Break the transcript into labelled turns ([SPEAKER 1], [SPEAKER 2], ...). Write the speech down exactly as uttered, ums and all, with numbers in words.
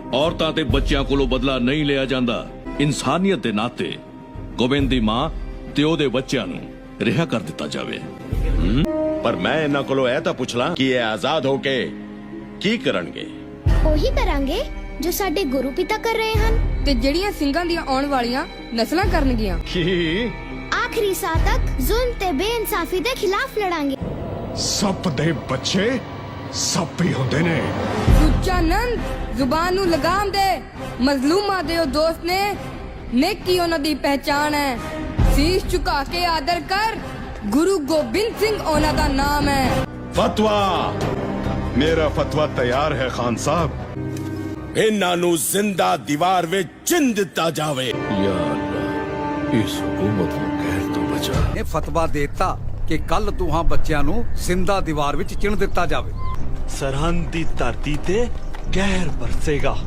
[SPEAKER 1] ਔਰਤਾਂ ਤੇ ਬੱਚਿਆਂ ਕੋਲੋਂ ਬਦਲਾ ਨਹੀਂ ਲਿਆ ਜਾਂਦਾ। ਇਨਸਾਨੀਅਤ ਦੇ ਨਾਤੇ ਗੋਬਿੰਦ ਦੀ ਮਾਂ ਤੇ ਉਹਦੇ ਬੱਚਿਆਂ ਨੂੰ ਰਿਹਾ ਕਰ ਦਿੱਤਾ ਜਾਵੇ।
[SPEAKER 2] ਪਰ ਮੈਂ ਇਹਨਾਂ ਕੋਲੋਂ ਇਹ ਤਾਂ ਪੁੱਛ ਲਾਂ ਕਿ ਇਹ ਆਜ਼ਾਦ ਹੋ ਕੇ ਕੀ ਕਰਨਗੇ?
[SPEAKER 3] ਉਹੀ ਕਰਾਂਗੇ ਜੋ ਸਾਡੇ ਗੁਰੂ ਪਿਤਾ ਕਰ ਰਹੇ ਹਨ
[SPEAKER 4] ਤੇ ਜਿਹੜੀਆਂ ਸਿੰਘਾਂ ਦੀਆਂ ਆਉਣ ਵਾਲੀਆਂ ਨਸਲਾਂ ਕਰਨਗੀਆਂ।
[SPEAKER 2] ਕੀ?
[SPEAKER 3] ਆਖਰੀ ਸਾਹ ਤੱਕ ਜ਼ੁਲਮ ਤੇ ਬੇਇਨਸਾਫੀ ਦੇ ਖਿਲਾਫ ਲੜਾਂਗੇ।
[SPEAKER 5] ਸੱਪ ਦੇ ਬੱਚੇ ਸੱਪ ਹੀ ਹੁੰਦੇ ਨੇ।
[SPEAKER 4] ਸੁੱਚਾ ਨੰਦ, ਜ਼ੁਬਾਨ ਨੂੰ ਲਗਾਮ ਦੇ। ਮਜ਼ਲੂਮਾਂ ਦੇ ਉਹ ਦੋਸਤ ਨੇ, ਨੇਕੀ ਉਹਨਾਂ ਦੀ ਪਹਿਚਾਨ ਹੈ। ਸੀਸ ਝੁਕਾ ਕੇ ਆਦਰ ਕਰ, ਗੁਰੂ ਗੋਬਿੰਦ ਸਿੰਘ ਉਹਨਾਂ ਦਾ ਨਾਮ ਹੈ।
[SPEAKER 2] ਫਤਵਾ।
[SPEAKER 5] ਮੇਰਾ ਫਤਵਾ ਤਿਆਰ ਹੈ ਖਾਨ ਸਾਹਿਬ।
[SPEAKER 2] ਇਹਨਾਂ ਨੂੰ ਜ਼ਿੰਦਾ ਦੀਵਾਰ ਵਿੱਚ ਚਿਣ ਦਿੱਤਾ ਜਾਵੇ।
[SPEAKER 1] ਯਾ ਅੱਲਾ, ਇਸ ਹਕੂਮਤ ਨੂੰ ਕਹਿਰ ਤੋਂ ਬਚਾ।
[SPEAKER 6] ਇਹ ਫਤਵਾ ਦੇਤਾ ਕਿ ਕੱਲ ਦੋਹਾਂ ਬੱਚਿਆਂ ਨੂੰ ਜ਼ਿੰਦਾ ਦੀਵਾਰ ਵਿੱਚ ਚਿਣ ਦਿੱਤਾ ਜਾਵੇ।
[SPEAKER 7] ਸਰਹੰਦ ਦੀ ਧਰਤੀ ਤੇ ਕਹਿਰ ਬਰਸੇਗਾ।